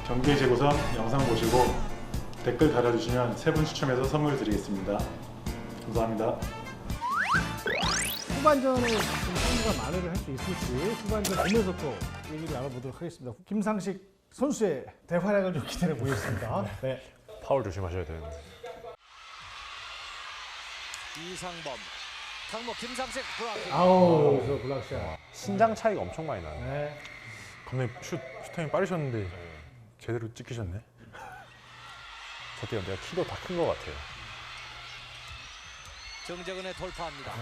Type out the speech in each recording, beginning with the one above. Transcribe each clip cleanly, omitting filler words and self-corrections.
경기 재고선 영상 보시고 댓글 달아주시면 3분 추첨해서 선물 드리겠습니다. 감사합니다. 후반전에 좀 승부가 만회를 할 수 있을지 후반전 보면서 또 얘기를 나눠보도록 하겠습니다. 김상식 선수의 대활약을 좀 기대해 보겠습니다. 네. 파울 조심하셔야 되는데. 이상범, 강목 김상식 브라킹. 아우, 저 블락샷. 신장 차이가 엄청 많이 나네. 네. 감독님 슈타임이 빠르셨는데 제대로 찍히셨네. 저때가 내가 키도 다 큰 것 같아요. 정재근의 돌파합니다.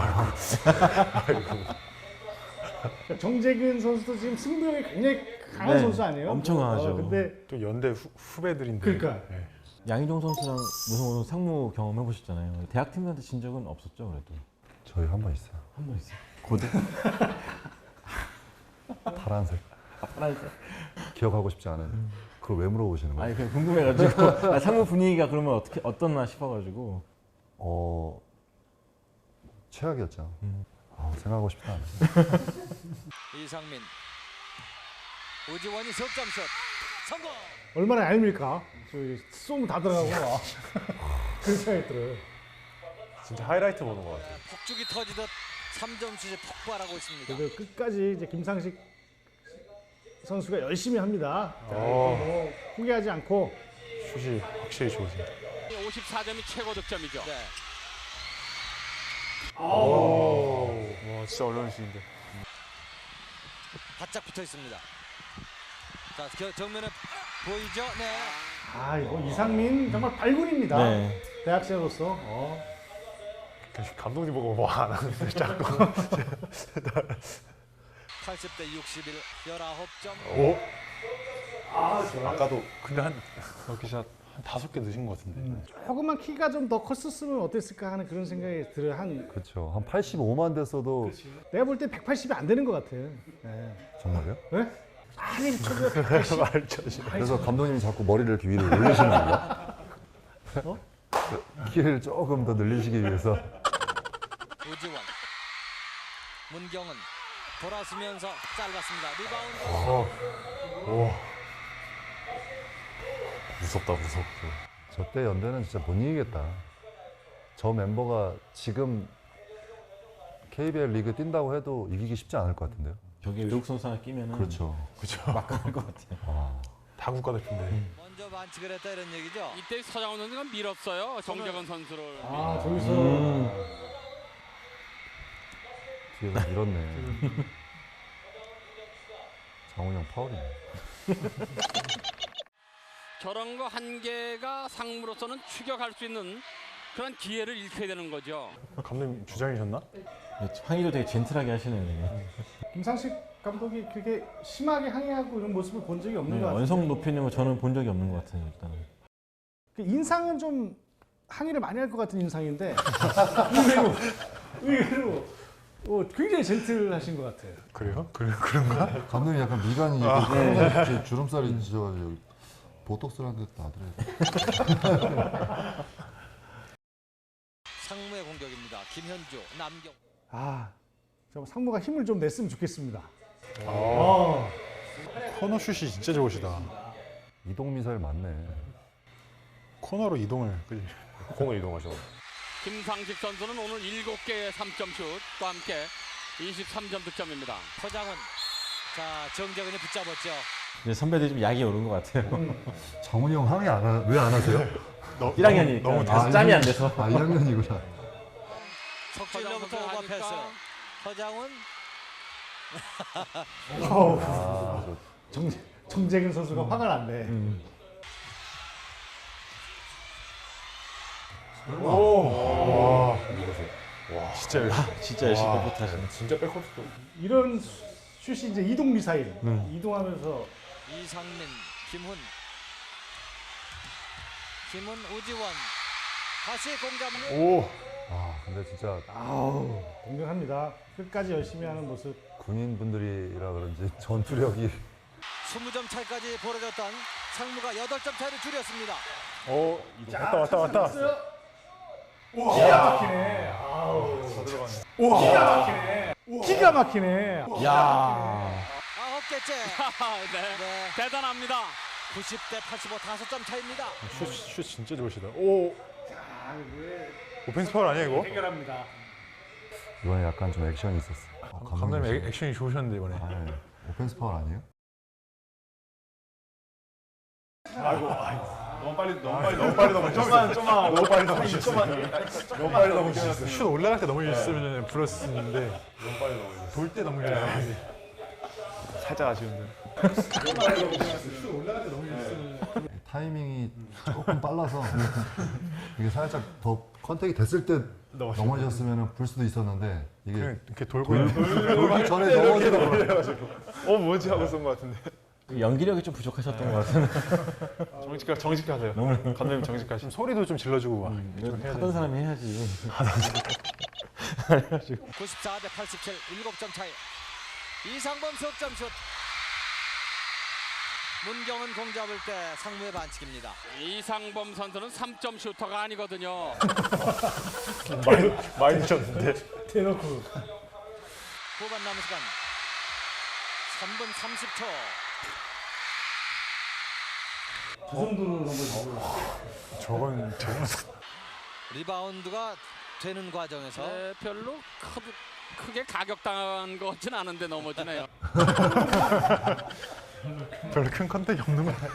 정재근 선수도 지금 승부욕이 굉장히 강한 네, 선수 아니에요? 엄청 강하죠. 근데 또 연대 후배들인데. 그러니까. 네. 양희종 선수랑 무슨 상무 경험해 보셨잖아요. 대학 팀한테 진 적은 없었죠, 그래도. 저희 한 번 있어요. 한 번 있어요. 고대. 파란색. 파란색. 기억하고 싶지 않아요. 그걸 왜 물어보시는 거예요? 아니 그냥 궁금해가지고 상무 분위기가 그러면 어떻게 어떻나 싶어가지고. 최악이었죠. 생각하고 싶지 않아요. 이상민, 우지원이 석점슛 성공. 얼마나 얄밉까? 저기 쏘면 다 들어가고 그런 생각이 들어요. 진짜 하이라이트 보는 것 같아요. 폭죽이 터지듯 3점 슛이 폭발하고 있습니다. 그래도 끝까지 이제 김상식 선수가 열심히 합니다. 자, 뭐 포기하지 않고. 슛이 확실히 좋으세요. 54점이 최고 득점이죠. 네. 와 진짜 어려운 슛인데. 바짝 붙어 있습니다. 자, 정면에 보이죠? 네. 아, 이거 이상민 정말 발군입니다. 네. 대학생으로서. 감독님 보고 뭐 안 하는데 자꾸. 80대 61, 19점. 오? 좋아요. 아까도 근데 한 럭키샷 한 5개 넣으신 것 같은데. 조금만 키가 좀 더 컸었으면 어땠을까 하는 그런 생각이 들어요. 그렇죠. 한 85만 됐어도 내가 볼 때 180이 안 되는 것 같아요. 네. 정말요? 네? 아니, 저거 180. 그래서 감독님이 자꾸 머리를 이렇게 위로 올리시는 건가? 키를 조금 더 늘리시기 위해서. 우지원, 문경은 돌아서면서 짧았습니다. 리바운드. 무섭다 무섭고. 저때 연대는 진짜 못 이기겠다. 저 멤버가 지금 KBL 리그 뛴다고 해도 이기기 쉽지 않을 것 같은데요. 저기 외국 선수 하나 끼면은 그렇죠. 막강할 것 같아요. 다 국가대표인데. 먼저 반칙을 했다 이런 얘기죠. 이때 서장훈 선수가 밀었어요. 정재근 선수를. 아, 저기서. 뒤에서 밀었네. 장훈이 형 파울이네. 저런 거 한 개가 상무로서는 추격할 수 있는 그런 기회를 잃게 되는 거죠. 감독님 주장이셨나? 항의도 되게 젠틀하게 하시네요. 김상식 감독이 그렇게 심하게 항의하고 이런 모습을 본 적이 없는 것 같아요. 원성 높이는 거 저는 본 적이 없는 것 같아요, 일단은. 그 인상은 좀 항의를 많이 할 것 같은 인상인데 의외로 굉장히 젠틀하신 것 같아요. 그래요? 그런가? 감독님 약간 미간이 이렇게 주름살이 져가지고 여기 보톡스라는 데 놔드려야 상무의 공격입니다. 김현주, 남경. 저 상무가 힘을 좀 냈으면 좋겠습니다. 코너 슛이 진짜 좋으시다. 이동 미사일 맞네. 코너로 이동을. 그지? 공을 이동하셔. 김상식 선수는 오늘 7개의 3점 슛과 함께 23점 득점입니다. 서장훈. 자, 정재근이 붙잡았죠. 이제 선배들이 좀 약이 오른 것 같아요. 장훈이 형 항의 왜 안 하세요? 1학년이니까 너무 짬이 안 돼서. 1학년이구나. 석진로부터 오버 패스. 서장훈. 정재근 선수가 화가 났네. 진짜 열심히 컴포트 하시네. 진짜 백코트도. 이런 슛이 이제 이동 미사일. 이동하면서 이상민, 김훈. 우지원. 다시 공잡는. 근데 진짜 공격합니다. 끝까지 열심히 하는 모습. 군인분들이라 그런지 전투력이 20점 차이까지 벌어졌던 상무가 8점 차이를 줄였습니다. 왔다. 기가 막히네. 기가 막히네. 9개째. 네. 네. 대단합니다. 90대 85 5점 차입니다. 슛 진짜 좋으시다. 오. 오펜스 파울 아니야 이거? 해결합니다. 이번에 약간 좀 액션이 있었어. 감독님 액션이 좋으셨는데 이번에. 아, 네. 오펜스 파울 아니에요? 너무 빨리 넘으셨어요. 너무 빨리 넘으셨어요. 슛 올라갈 때 넘어졌으면 불었는데 너무 빨리 넘어졌어요. 돌 때 넘어졌어요. 살짝 아쉬운데. 타이밍이 조금 빨라서 이게 살짝 더 컨택이 됐을 때 넘어졌으면 불 수도 있었는데 이게 그냥 이렇게 돌고 돌기 전에 넘어지더라고요. 뭐지 하고 쏜 것 같은데. 연기력이 좀 부족하셨던 것 같은데. 정직하세요. 감독님 정직하시고 소리도 좀 질러주고 막. 하던 사람이 해야지. 94대 87 7점 차이. 이상범 석점슛. 문경은 공 잡을 때 상무의 반칙입니다. 이상범 선수는 3점 슈터가 아니거든요. 많이 늦었는데. 대놓고 후반 남은 시간 3분 30초. 그 정도로 넘어지고 저건 리바운드가 되는 과정에서 별로 크게 가격당한 것 같진 않은데 넘어지네요. 별로 큰 컨택이 없는 거 같아요.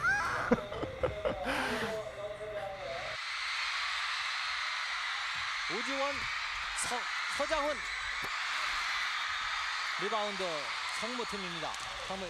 오지원 서장훈 리바운드 상무팀입니다. 상무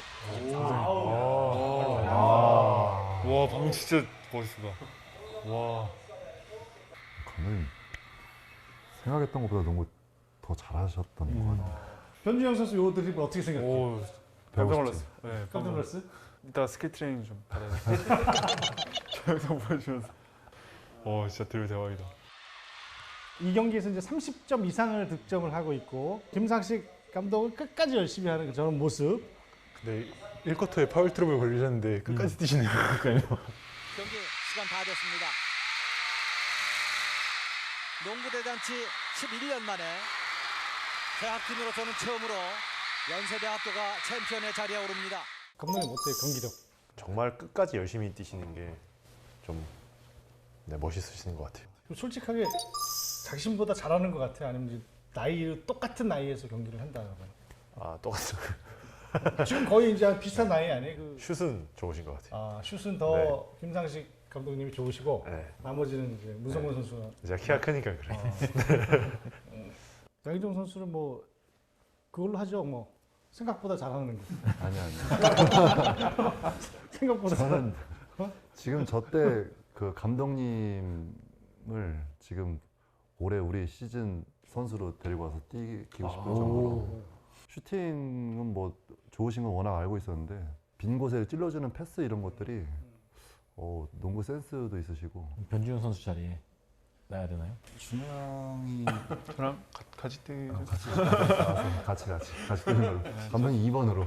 와 방금 진짜 멋있다. 와. 감독님 생각했던 것보다 농구 더 잘하셨던 것 같아요. 변준영 선수 요 드리블 어떻게 생각해? 오 깜짝 놀랐어. 네, 깜짝 놀랐어? 이따 스킬 트레이닝 좀 받아야 돼. 영상 보여주면서. 진짜 드립 대박이다. 이 경기에서 이제 30점 이상을 득점을 하고 있고 김상식 감독은 끝까지 열심히 하는 저런 모습. 근데 1쿼터에 파울 트러블 걸리셨는데 끝까지 뛰시네요. 경기 시간 다 됐습니다. 농구 대잔치 11년 만에 대학팀으로서는 처음으로 연세대학교가 챔피언의 자리에 오릅니다. 감독님 어때요 경기력? 정말 끝까지 열심히 뛰시는 게 좀 멋있으신 것 같아요. 솔직하게 자신보다 잘하는 것 같아요? 아니면 이제 똑같은 나이에서 경기를 한다는 아 똑같아요. 지금 거의 이제 비슷한 나이 아니에요? 슛은 좋으신 것 같아요. 슛은 더 김상식 감독님이 좋으시고 네. 나머지는 이제 문성곤 선수가. 제가 키가 크니까 그래. 양희종 선수는 뭐 그걸로 하죠. 뭐 생각보다 잘하는 거. 아니야. 생각보다 저는 지금 저 때 그 감독님을 지금 올해 우리 시즌 선수로 데리고 와서 뛰기고 싶을 정도로 슈팅은 뭐 좋으신 건 워낙 알고 있었는데 빈 곳에 찔러주는 패스 이런 것들이 농구 센스도 있으시고. 변준영 선수 자리에 놔야 되나요? 준영이 저랑 같이 뛰기 같이 뛰는 걸로. 감독님 2번으로.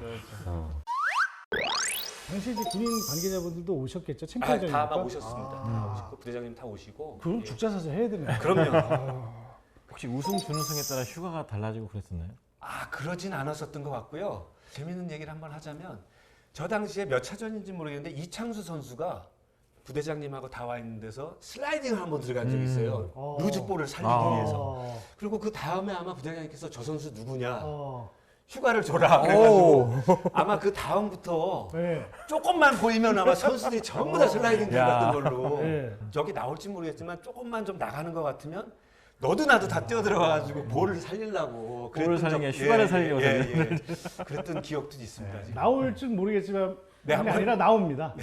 당시 이제 군인 관계자분들도 오셨겠죠? 챔피언전이니까. 다 오셨습니다. 다 오시고 부대장님 다 오시고. 그럼 죽자사자 해야 되네. 그럼요. 혹시 우승 준우승에 따라 휴가가 달라지고 그랬었나요? 그러진 않았었던 것 같고요. 재밌는 얘기를 한번 하자면 저 당시에 몇 차전인지 모르겠는데 이창수 선수가 부대장님하고 다 와 있는 데서 슬라이딩을 한번 들어간 적이 있어요. 루즈볼을 살리기 위해서. 그리고 그 다음에 아마 부대장님께서 저 선수 누구냐 휴가를 줘라 그래가지고 아마 그 다음부터 네. 조금만 보이면 아마 선수들이 전부 다 슬라이딩 들어갔던 걸로 네. 여기 나올지 모르겠지만 조금만 좀 나가는 것 같으면 너도 나도 다 뛰어 들어가가지고 볼을 살리려고 볼을 살리는 게 휴가를 살리려고 그랬던 기억도 있습니다. 지금. 나올 줄 모르겠지만 네, 그게 아니라 나옵니다.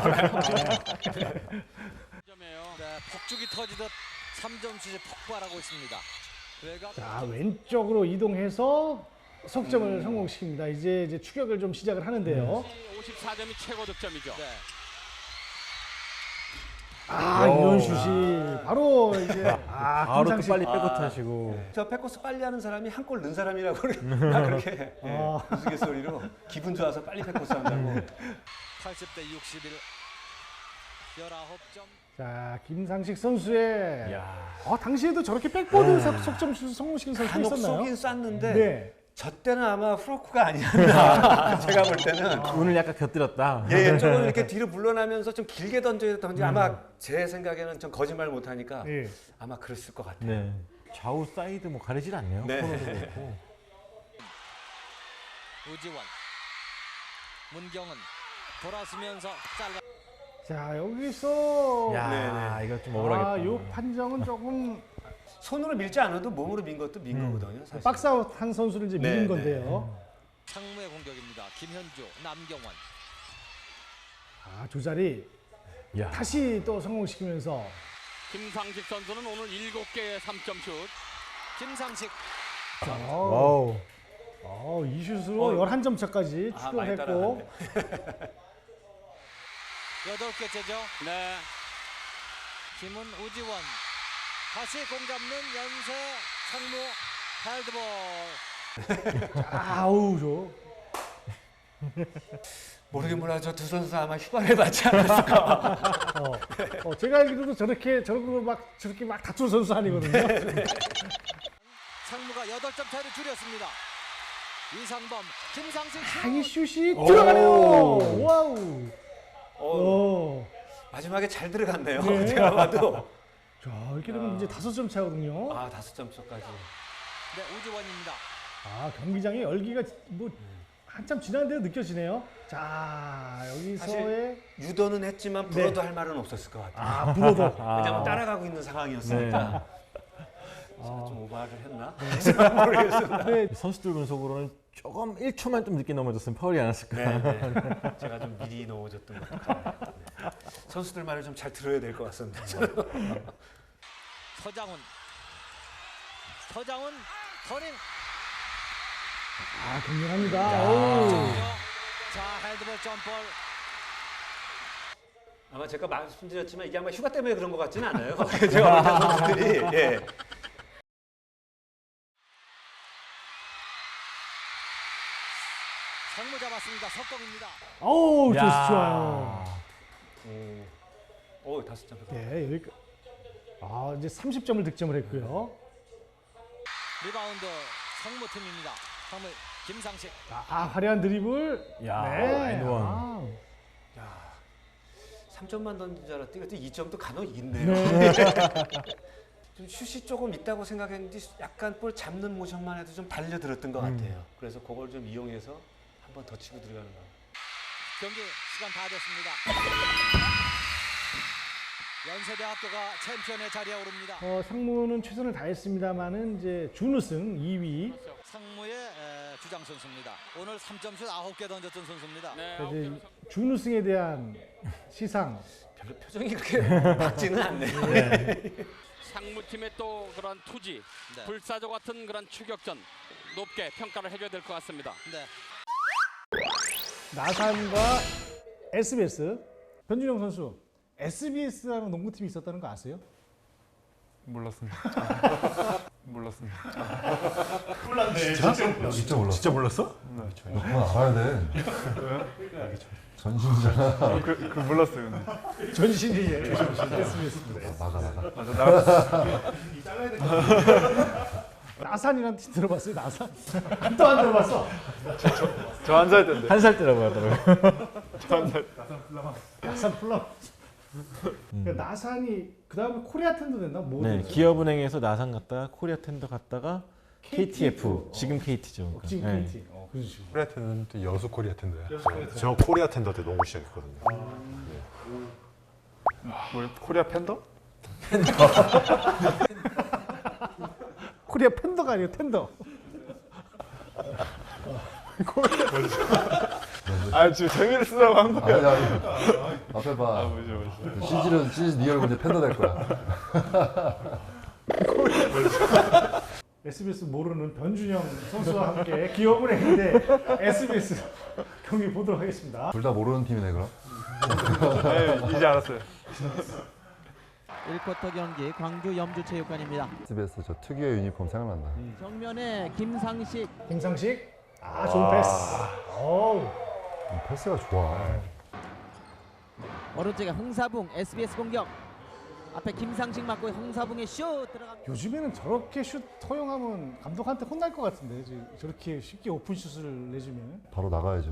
폭죽이 터지듯 3점 슛이 폭발하고 있습니다. 자 왼쪽으로 이동해서 석점을 성공시킵니다. 이제 추격을 좀 시작을 하는데요. 54점이 최고 득점이죠. 네. 이런 슛이 바로 이제 바로 또 김상식. 빨리 백코트 하시고. 저 백코스 빨리 하는 사람이 한 골 넣은 사람이라고 그렇게 우스갯소리로 기분 좋아서 빨리 백코스 한다고. 80대 61 19점. 자 김상식 선수의 당시에도 저렇게 백보드 석점 슛 성공시킨 선수가 간혹 있었나요? 쏘긴 쐈는데 네. 저 때는 아마 프로크가 아니었나. 제가 볼 때는. 오늘 약간 곁들였다. 예, 조금 이렇게 뒤로 물러나면서 좀 길게 던져야 아마 제 생각에는 좀 거짓말 못하니까 예. 아마 그랬을 것 같아요. 네. 좌우 사이드 뭐 가리질 않네요. 네. 코너도 그렇고. 우지원, 문경은 돌아서면서 짧아. 자 여기서 야, 이거 좀 아, 억울하겠다. 요 판정은 조금 손으로 밀지 않아도 몸으로 민 것도 민 거거든요. 사실. 박스아웃 한 선수를 이제 네, 밀은 네. 건데요. 상무의 공격입니다. 김현주, 남경원. 아, 조자리 야. 다시 또 성공시키면서 김상식 선수는 오늘 7개의 3점 슛. 김상식. 와우. 이 슛으로 11점 차까지 아, 많이 추격했고 8개째죠. 네. 김은 우지원. 다시 공 잡는 연세 상무 헤드볼. 아우 저 모르긴 몰라 저 두 선수 아마 휴가를 받지 않았을까. 제가 알기로도 저렇게 막 다투는 선수 아니거든요. 상무가 8점 차를 줄였습니다. 이상범, 김상식 이 슛. 슛이 들어가네요. 와우. 마지막에 잘 들어갔네요. 네. 제가 봐도. 자 이렇게 되면 이제 5점 차거든요. 아, 5점 차까지. 네, 우지원입니다. 아 경기장의 열기가 뭐 한참 지난데도 느껴지네요. 자 여기서의 유도는 했지만 불어도 할 말은 없었을 것 같아요. 불어도 왜냐면 따라가고 있는 상황이었으니까. 제가 좀 오버를 했나? 모르겠습니다. 네. 선수들 분석으로는 조금 1초만 좀 늦게 넘어졌으면 파울이 않았을까. 네. 제가 좀 미리 넣어줬던 것 같아요. 네. 선수들 말을 좀 잘 들어야 될 것 같습니다. 서장훈, 터닝. 격렬합니다. 자, 헤드볼 점볼. 아마 제가 말씀드렸지만 이게 아마 휴가 때문에 그런 것 같지는 않아요. 제가 볼 때 선수들이. 예. 상무 잡았습니다. 석동입니다. 어우 야. 좋아요. 오, 5점. 네 여기 이제 30점을 득점을 했고요. 리바운드 상무 팀입니다. 상무 김상식. 화려한 드리블. 야, 네. 엔드원. 3점만 던진 줄 알았더니 2점도 간혹 있네요. 좀 슛이 조금 있다고 생각했는데 약간 볼 잡는 모션만 해도 좀 달려들었던 것 같아요. 그래서 그걸 좀 이용해서 한 번 더 치고 들어가는 거. 경기 시간 다 됐습니다. 연세대학교가 챔피언의 자리에 오릅니다. 상무는 최선을 다했습니다만은 이제 준우승 2위. 상무의 주장 선수입니다. 오늘 3점슛 9개 던졌던 선수입니다. 네. 이제 준우승에 대한 시상. 별로 표정이 그렇게 밝지는 않네요. 상무팀의 또 그런 투지, 네. 불사조 같은 그런 추격전 높게 평가를 해줘야 될 것 같습니다. 네. 나산과 SBS. 변준영 선수, SBS라는 농구팀이 있었다는 거 아세요? 몰랐습니다. 몰랐습니다. 진짜 몰랐어. 진짜 몰랐어? 그건 알아야 돼. 전신이잖아. 그 몰랐어요. 근데. 전신이에요. SBS입니다. 나가. 나산이라는 팀 들어봤어요? 나산? 또 안 들어봤어? 저 한 살 때인데. 한 살 때라고 하더라고요. 나산 플럼. 그러니까 나산이 그 다음에 코리아 텐더 됐나? 뭐 네, 됐어요? 기업은행에서 나산 갔다가 코리아 텐더 갔다가 KTF, 지금 KT죠. 지금 네. KT. 그런 식으로. 코리아 텐더 여수 코리아 텐더야. 저 코리아 텐더 때 농구 시작했거든요. 뭐 코리아 팬더? 코리아 팬더가 아니고 텐더. 아 지금 재미를 쓰라고 한 거야. 아니. 앞에 봐. 뭐죠. 시즌 네 얼굴 이제 팬더 될 거야. SBS 모르는 변준영 선수와 함께 기업은행 대 SBS 경기 보도록 하겠습니다. 둘 다 모르는 팀이네 그럼. 네, 이제 알았어요. 1쿼터 경기 광주 염주체육관입니다. SBS 저 특유의 유니폼 생각난다. 정면에 김상식. 좋은 패스. 어우. 패스가 좋아. 오른쪽에 흥사붕 SBS 공격. 앞에 김상식 맞고 홍사붕의 슛 들어갑니다. 요즘에는 저렇게 슛 허용하면 감독한테 혼날 것 같은데 저렇게 쉽게 오픈 슛을 내주면. 바로 나가야죠.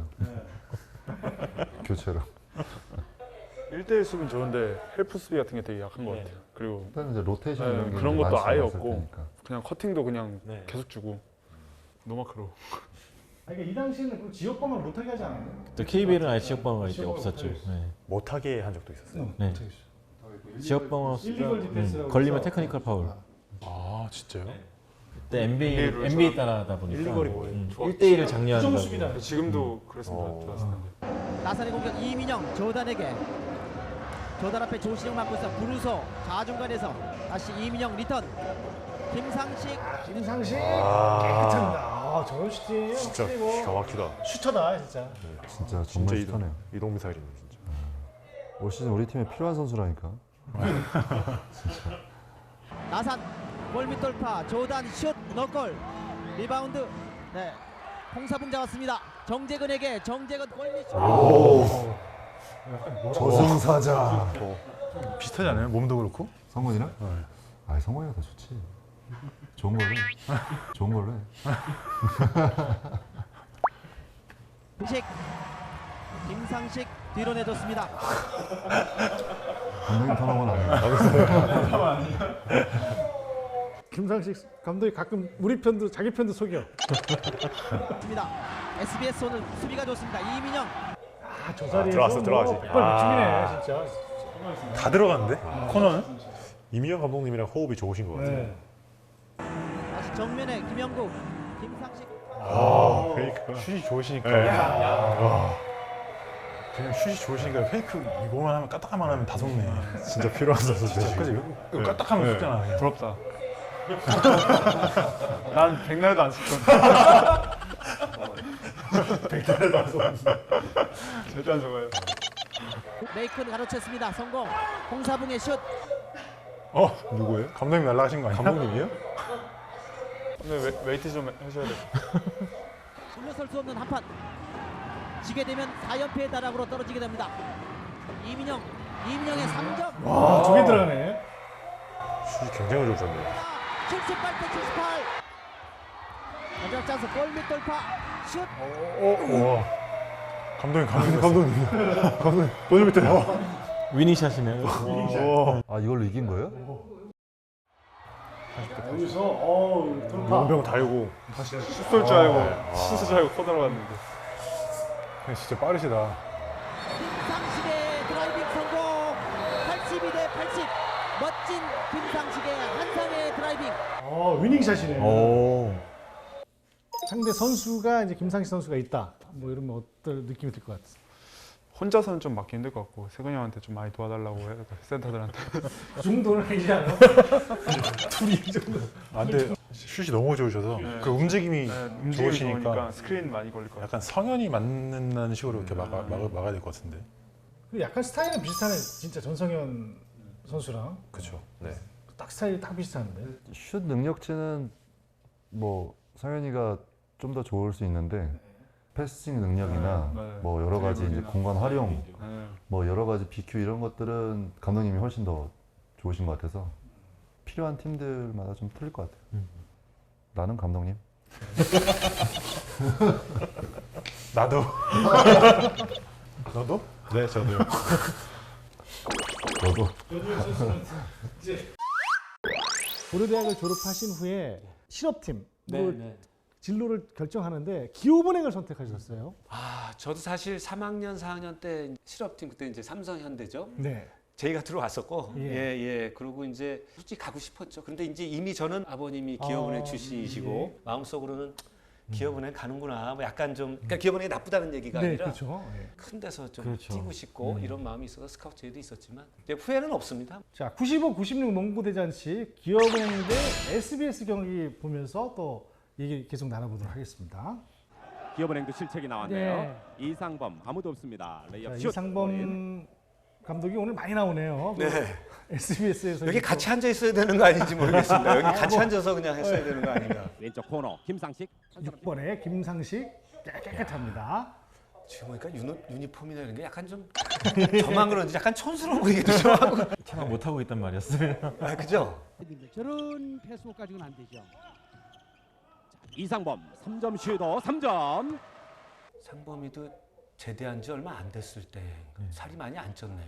교체로. 1대1 수비는 좋은데 헬프 수비 같은 게 되게 약한 것 같아요. 그리고 일단 이제 로테이션 네, 이런 게 그런 것도 많지 아예 않았을 없고 테니까. 그냥 커팅도 그냥 네. 계속 주고 노마크로. 그러니까 이 당시에는 그 지역방을 못하게 하지 않았나요? 또 KBL은 아예 지역방어가 이제 지역방어 없었죠. 못하게 네. 못하게 한 적도 있었어요. 네. 지역방어 일리걸 디펜스라고 걸리면 해서. 테크니컬 파울. 아 진짜요? 그때 NBA 따라하다 보니까 일리걸이 뭐예요? 1대1을 장려한다고. 부정수비다. 지금도 그랬으면 좋았을 텐데. 나산의 공격 이민영 조단에게. 조단 앞에 조신영 맞고 있어. 브루소 좌중간에서 다시 이민영 리턴. 김상식 김상식 아. 깨끗합니다. 저런 슈팅이에요. 진짜 확실히 뭐 기가 막히다. 슈터다 진짜. 진짜 정말 슈터네요. 이동 미사일이네 진짜. 올 시즌 우리 팀에 필요한 선수라니까. 나산 골밑 돌파 조단 슛 넣골 리바운드. 네. 홍사붕 잡았습니다. 정재근에게 정재근 골밑 슛. 저승사자. 비슷하지 않아요? 몸도 그렇고? 성건이랑? 아, 성건이가 더 좋지. 좋은 걸로 해. 좋은 걸로 해. 김상식 김상식 뒤로 내줬습니다. 감독님 턴오버는 아니에요. 김상식 감독이 가끔 우리 편도 자기 편도 속여. 입니다. SBS 오늘 수비가 좋습니다. 이민영 저 자리에서 들어왔어, 들어가지. 백발 죽이네 진짜. 다 들어갔는데? 코너는? 이민영 감독님이랑 호흡이 좋으신 것 같아요. 네. 다시 정면에 김영국 김상식 페이크가. 슛이 좋으시니까. 그냥 슛이 좋으시니까 페이크 이거만 하면 까딱하면 하면 다 속네. 진짜 필요한 선수인데 그지? 지금. 이거 까딱하면 속잖아. 그냥. 부럽다. 난 백날도 안 쓸 건데. 백달도 안 속는데. 절대 안 좋아요. 메이크는 가로챘습니다. 성공. 홍사붕의 슛. 누구예요? 감독님 날라가신 거 아니야? 감독님이요? 오늘 웨이트 좀 해줘야 돼. 물러설 수 없는 한판. 지게 되면 4연패의 나락으로 떨어지게 됩니다. 이민영의 3점. 와, 두 개 들어가네. 슛이 굉장히 좋으셨네요. 78대 78. 마지막 찬스 골밑 돌파. 슛. 감독님. 오늘 밑에 나와. 위닝샷이네요. 아, 이걸로 이긴 거예요? 여기서 돌파. 용병 달고 다시 슛쏠 줄 알고 슛쏠 줄 알고 커 들어갔는데. 진짜 빠르시다. 김상식의 드라이빙 성공. 82대 80. 멋진 김상식의 한상의 드라이빙. 위닝샷이네. 상대 선수가 이제 김상식 선수가 있다. 뭐 이러면 어떤 느낌이 들 것 같아? 혼자서는 좀 맞기 힘들 것 같고 세근이 형한테 좀 많이 도와달라고 해야 될 것 같아요. 센터들한테. 그 정도는 아니지 않아? 둘이 이 정도. 아, 근데 슛이 너무 좋으셔서 그 움직임이 좋으시니까 좋으니까 스크린 많이 걸릴 것 같아요. 약간 성현이 맞는다는 식으로 이렇게 막아야 될 것 같은데. 약간 스타일은 비슷하네. 진짜 전성현 선수랑 그렇죠. 네. 딱 스타일이 딱 비슷한데. 슛 능력치는 뭐 성현이가 좀 더 좋을 수 있는데 패스팅 능력이나 네, 네. 뭐 여러 가지 이제 드리블이나. 공간 활용, 네. 뭐 여러 가지 BQ 이런 것들은 감독님이 훨씬 더 좋으신 것 같아서 필요한 팀들마다 좀 틀릴 것 같아요. 나는 감독님. 나도. 너도? 네, 저도요. 너도. 고려대학을 졸업하신 후에 실업팀으로 진로를 결정하는데 기업은행을 선택하셨어요. 저도 사실 3학년, 4학년 때 실업팀 그때 이제 삼성현대죠. 네. 저희가 들어왔었고, 예. 그리고 이제 솔직히 가고 싶었죠. 그런데 이제 이미 저는 아버님이 기업은행 출신이시고 마음속으로는 기업은행 가는구나. 뭐 약간 좀 그러니까 기업은행이 나쁘다는 얘기가 네, 아니라 그렇죠. 큰 데서 좀 그렇죠. 뛰고 싶고 이런 마음이 있어서 스카우트 제의도 있었지만 이제 후회는 없습니다. 자, 95, 96 농구 대잔치 기업은행 대 SBS 경기 보면서 또 얘기 계속 나눠보도록 하겠습니다. 기업은행도 실책이 나왔네요. 이상범 아무도 없습니다. 레이업 슛. 이상범 감독이 오늘 많이 나오네요. 네. SBS에서 여기 같이 앉아 있어야 되는 거 아닌지 모르겠습니다. 여기 같이 앉아서 그냥 했어야 되는 거 아닌가. 왼쪽 코너 김상식. 6번에 김상식 깨끗합니다. 지금 보니까 유니폼이나 이런 게 약간 좀 저만 그런지 약간 촌스러워 보이기도 좀 하고. 참 못하고 있단 말이었어요. 아, 그죠? 저런 패스까지는 안 되죠. 이상범 3점 슈터 3점. 상범이도 제대한 지 얼마 안 됐을 때 살이 많이 안 쪘네요.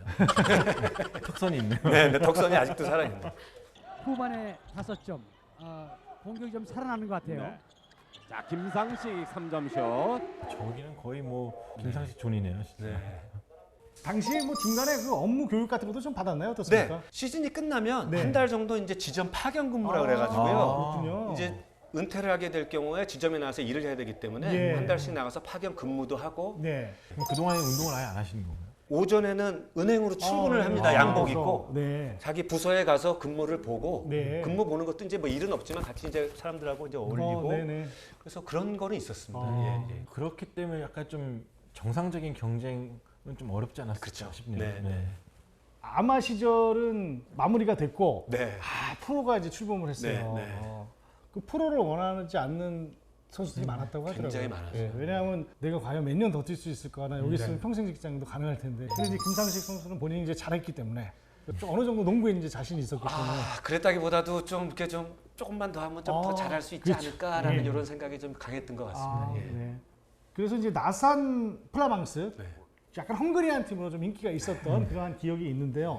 턱선이 있네요. 네, 네, 턱선이 아직도 살아있네. 후반에 5점. 공격이 좀 살아나는 것 같아요. 네. 자, 김상식 3점 슛. 저기는 거의 뭐 김상식 존이네요, 진짜. 네. 당시에 뭐 중간에 그 업무 교육 같은 것도 좀 받았나요? 어떻습니까? 네, 시즌이 끝나면 네. 한 달 정도 이제 지점 파견 근무라 그래가지고요. 그렇군요. 이제 은퇴를 하게 될 경우에 지점에 나가서 일을 해야 되기 때문에 예. 한 달씩 나가서 파견 근무도 하고 네. 그럼 그동안에 운동을 아예 안 하시는 건가요? 오전에는 은행으로 출근을 합니다. 네. 양복 그래서, 입고 네. 자기 부서에 가서 근무를 보고 네. 근무 보는 것도 이제 뭐 일은 없지만 같이 이제 사람들하고 이제 어울리고 네네. 그래서 그런 거는 있었습니다. 아. 예, 예. 그렇기 때문에 약간 좀 정상적인 경쟁은 좀 어렵지 않았을까 그렇죠. 싶네요. 네, 네. 아마 시절은 마무리가 됐고 네. 프로가 이제 출범을 했어요. 네, 네. 그 프로를 원하지 않는 선수들이 많았다고 하더라고요. 굉장히 많았어요. 왜냐하면 내가 과연 몇 년 더 뛸 수 있을까? 나 여기 있으면 네. 평생 직장도 가능할 텐데. 근데 이제 김상식 선수는 본인이 이제 잘했기 때문에 좀 어느 정도 농구에 이제 자신이 있었기 때문에. 그랬다기보다도 좀 이렇게 좀 조금만 더 하면 좀 더 잘할 수 있지 그렇죠. 않을까라는 네. 이런 생각이 좀 강했던 것 같습니다. 예. 네. 그래서 이제 나산 플라망스 네. 약간 헝그리한 팀으로 좀 인기가 있었던 그러한 기억이 있는데요.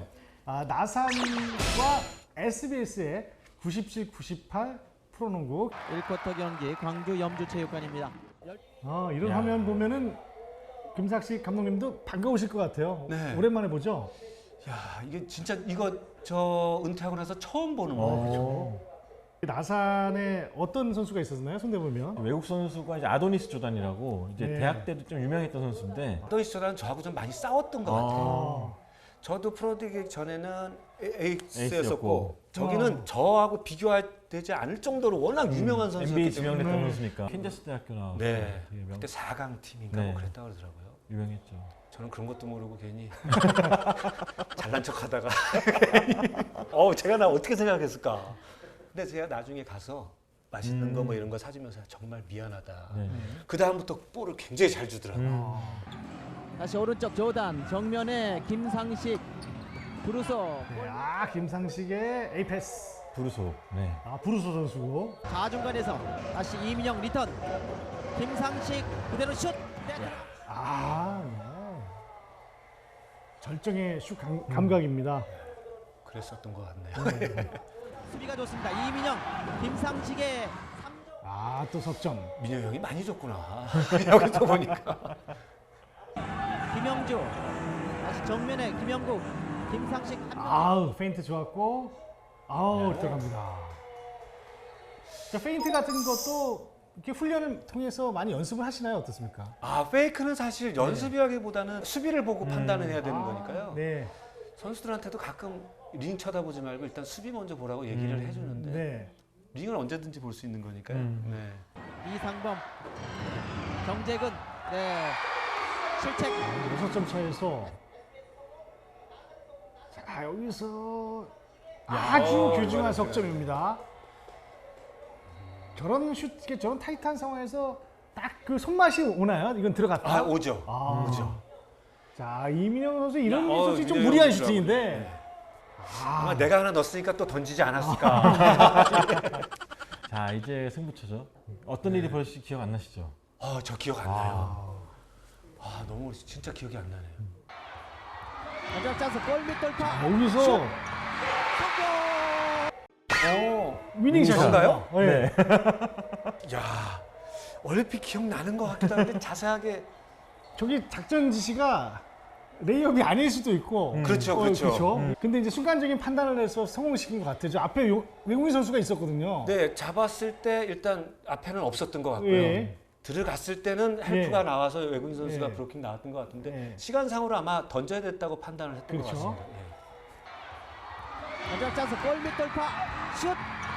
나산과 SBS의 97, 98 프로농구 1쿼터 경기 광주 염주체육관입니다. 이런 화면 보면은 김삭식 감독님도 반가우실 것 같아요. 네. 오랜만에 보죠. 야, 이게 진짜 이거 저 은퇴하고 나서 처음 보는 거예요. 나산에 어떤 선수가 있었나요? 손대보면 외국 선수가 이제 아도니스 조단이라고 이제 네. 대학 때도 좀 유명했던 선수인데 아도니스 조단은 저하고 좀 많이 싸웠던 것 같아요. 저도 프로 되기 전에는 에이스였었고 저기는 저하고 비교되지 않을 정도로 워낙 유명한 선수였기 NBA 때문에 지명됐던 선수니까 캔자스 대학교 나와서 네. 되게 그때 4강 팀인가 네. 뭐 그랬다고 그러더라고요. 유명했죠. 저는 그런 것도 모르고 괜히 잘난 척하다가 제가 나 어떻게 생각했을까. 근데 제가 나중에 가서 맛있는 거 뭐 이런 거 사주면서 정말 미안하다. 네. 그 다음부터 볼을 굉장히 잘 주더라고요. 다시 오른쪽 조단 정면에 김상식 브루소 김상식의 에이패스 브루소. 네. 브루소 선수고 좌중간에서 다시 이민영 리턴 김상식 그대로 슛 네. 절정의 슛 감각입니다. 그랬었던 것 같네요. 수비가 좋습니다. 이민영 김상식의 또 석점. 민영 형이 많이 줬구나. 여기서 보니까. 김영주 다시 정면에 김영국 김상식 페인트 좋았고 들어갑니다. 페인트 같은 것도 이렇게 훈련을 통해서 많이 연습을 하시나요? 어떻습니까? 페이크는 사실 연습이라기보다는 수비를 보고 판단을 해야 되는 거니까요. 네. 선수들한테도 가끔 링 쳐다보지 말고 일단 수비 먼저 보라고 얘기를 해주는데 네. 링을 언제든지 볼 수 있는 거니까요. 네. 이상범 정재근 실책 6점 차에서 여기서 아주 귀중한 석점입니다. 저런 슛, 저런 타이트한 상황에서 딱 그 손맛이 오나요? 이건 들어갔다. 오죠. 오죠. 자, 이민영 선수 이런 야, 솔직히 좀 민영 무리한 선수라고. 슈팅인데. 아마 내가 하나 넣었으니까 또 던지지 않았을까. 자, 이제 승부처죠. 어떤 일이 벌어질지 기억 안 나시죠? 저 기억 안 나요. 너무 진짜 기억이 안 나네요. 마지막 찬스 골밑 돌파 여기서 위닝샷인가요? 네. 야, 얼핏 기억나는 것 같기도 한데 자세하게. 저기 작전 지시가 레이업이 아닐 수도 있고. 그렇죠. 근데 이제 순간적인 판단을 해서 성공시킨 것 같아요. 저 앞에 외국인 선수가 있었거든요. 네, 잡았을 때 일단 앞에는 없었던 것 같고요. 예. 들어갔을 때는 헬프가 예. 나와서 외국인 선수가 예. 브로킹 나왔던 것 같은데 예. 시간상으로 아마 던져야 됐다고 판단을 했던 그렇죠. 것 같습니다. 마지막 찬스 골밑 돌파 슛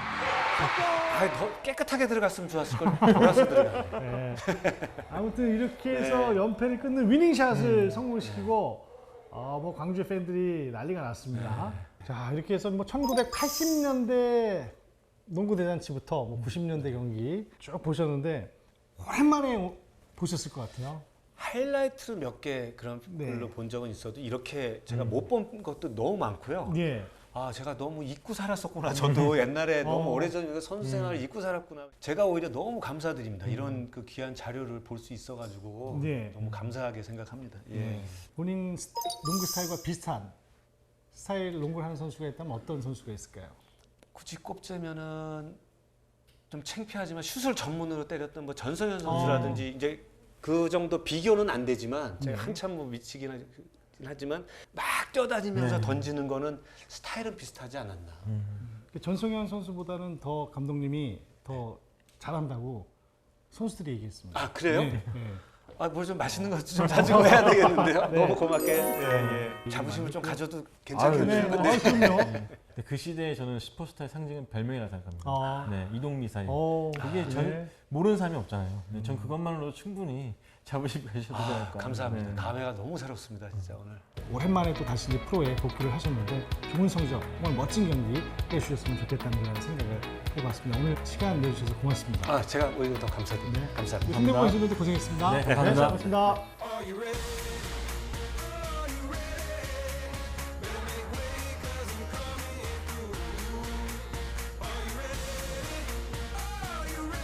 더 깨끗하게 들어갔으면 좋았을 걸. 돌아서 들어가네. 아무튼 이렇게 해서 연패를 끊는 위닝샷을 성공시키고 뭐 광주 팬들이 난리가 났습니다. 자, 이렇게 해서 뭐 1980년대 농구 대잔치부터 뭐 90년대 경기 쭉 보셨는데 오랜만에 보셨을 것 같아요. 하이라이트로 몇 개 그런 걸로 본 적은 있어도 이렇게 제가 못 본 것도 너무 많고요. 예. 아, 제가 너무 잊고 살았었구나. 저도 옛날에 너무 오래전에 선수 생활을 잊고 살았구나. 제가 오히려 너무 감사드립니다. 이런 그 귀한 자료를 볼 수 있어가지고 너무 감사하게 생각합니다. 예. 본인 농구 스타일과 비슷한 스타일 농구를 하는 선수가 있다면 어떤 선수가 있을까요? 굳이 꼽자면은 좀 창피하지만 슛을 전문으로 때렸던 뭐 전성현 선수라든지 이제 그 정도 비교는 안 되지만 제가 한참 뭐 미치긴 하지만 막 뛰어다니면서 던지는 거는 스타일은 비슷하지 않았나. 전성현 선수보다는 더 감독님이 더 잘한다고 선수들이 얘기했습니다. 아, 그래요? 네. 아, 뭘 좀 맛있는 것도 좀 자주 해야 되겠는데요. 네. 너무 고맙게 자부심을 좀 가져도 괜찮겠네요. 네. 그럼요. 근데 그 시대에 저는 슈퍼스타의 상징은 별명이라 생각합니다. 아. 네, 이동미사일. 그게 네. 전 모르는 사람이 없잖아요. 네, 전 그것만으로도 충분히 자부심 가셔도 되지 않을까. 감사합니다. 네. 감회가 너무 새롭습니다, 진짜 오늘. 오랜만에 또 다시 이제 프로에 복귀를 하셨는데 좋은 성적, 정말 멋진 경기 해주셨으면 좋겠다는 그런 생각을 해봤습니다. 오늘 시간 내주셔서 고맙습니다. 아, 제가 오히려 더 감사드립니다. 감사합니다. 손대범 선수도 고생했습니다. 네, 감사합니다. 고맙습니다.